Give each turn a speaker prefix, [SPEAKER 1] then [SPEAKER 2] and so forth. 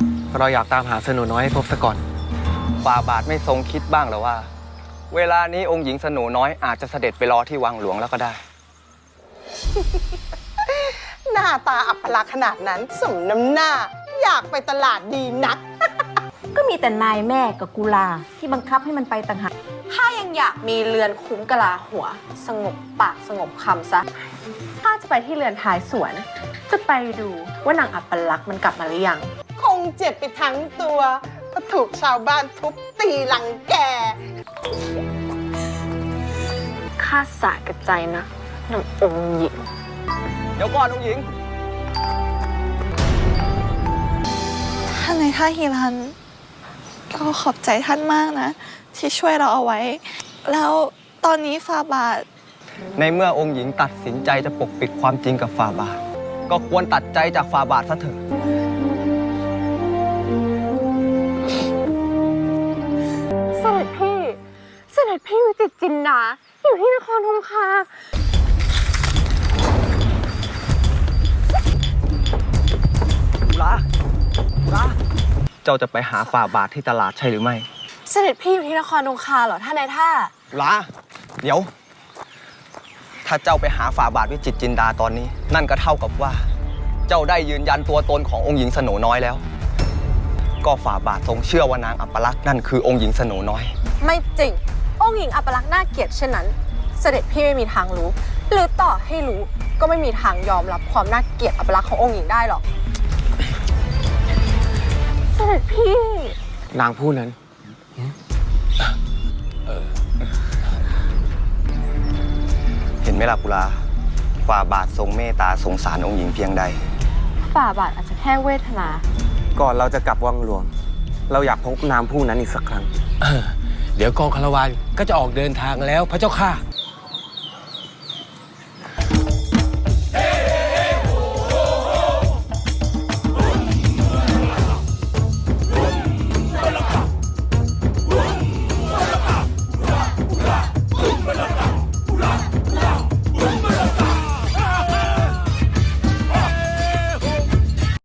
[SPEAKER 1] เราอยากตามหาสโนน้อยให้พบซะก่อน
[SPEAKER 2] ฝ่าบาทไม่ทรงคิดบ้างหรือว่า เวลานี้องค์หญิงสโนน้อยอาจจะเสด็จไปรอที่วังหลวงแล้วก็ได้
[SPEAKER 3] หน้าตาอัปลักษณ์ขนาดนั้นสมน้ำหน้า อยากไปตลาดดีนัก
[SPEAKER 4] ก็มีแต่นายแม่กับกุลาที่บังคับให้มันไปต่างหาก
[SPEAKER 5] ถ้ายังอยากมีเรือนคุ้มกะลาหัว สงบปากสงบคำซะข้าจะไปที่เรือนท้ายสวน จะไปดูว่านางอัปลักษณ์มันกลับมาหรือยัง
[SPEAKER 3] คงเจ็บไปทั้งตัวเพราะถูกชาวบ้านทุบตีหลังแก
[SPEAKER 5] ข้าสาแก่ใจนะนางองค์หญิง
[SPEAKER 2] เดี๋ยวก่อนองค์หญิง
[SPEAKER 6] ท่านในท่าฮิรันเราขอบใจท่านมากนะ ที่ช่วยเราเอาไว้ แล้วตอนนี้ฟาบาท
[SPEAKER 2] ในเมื่อองค์หญิงตัดสินใจจะปกปิดความจริงกับฝ่าบาท ก็ควรตัดใจจากฝ่าบาทซะเถอะ
[SPEAKER 5] เสด็จพี่ เสด็จพี่วิจิตรจินดาอยู่ที่นครธงคา
[SPEAKER 2] เจ้าจะไปหาฝ่าบาทที่ตลาดใช่หรือไม่
[SPEAKER 5] เสด็จพี่อยู่ที่นครธงคาเหรอท่านนายท่า
[SPEAKER 2] เดี๋ยว ถ้าเจ้าไปหาฝ่าบาทวิจิตรจินดาตอนนี้ นั่นก็เท่ากับว่า เจ้าได้ยืนยันตัวตนขององค์หญิงสโนน้อยแล้ว ก็ฝ่าบาททรงเชื่อว่านางอัปลักษณ์นั่นคือองค์หญิงสโนน้อย
[SPEAKER 5] ไม่จริง องค์หญิงอัปลักษณ์น่าเกลียดเช่นนั้น เสด็จพี่ไม่มีทางรู้ หรือต่อให้รู้ก็ไม่มีทางยอมรับความน่าเกลียดอัปลักษณ์ขององค์หญิงได้หรอก เสด็จพี่
[SPEAKER 1] นางผู้นั้น
[SPEAKER 2] เห็นไหมล่ะกุลา ฝ่าบาททรงเมตตาสงสารองค์หญิงเพียงใด
[SPEAKER 5] ฝ่าบาทอาจจะแค่เวทนา
[SPEAKER 1] ก่อนเราจะกลับวังหลวง เราอยากพบนางผู้นั้นอีกสักครั้ง
[SPEAKER 7] เดี๋ยวกองคาราวานก็จะออกเดินทางแล้วพระเจ้าค่ะ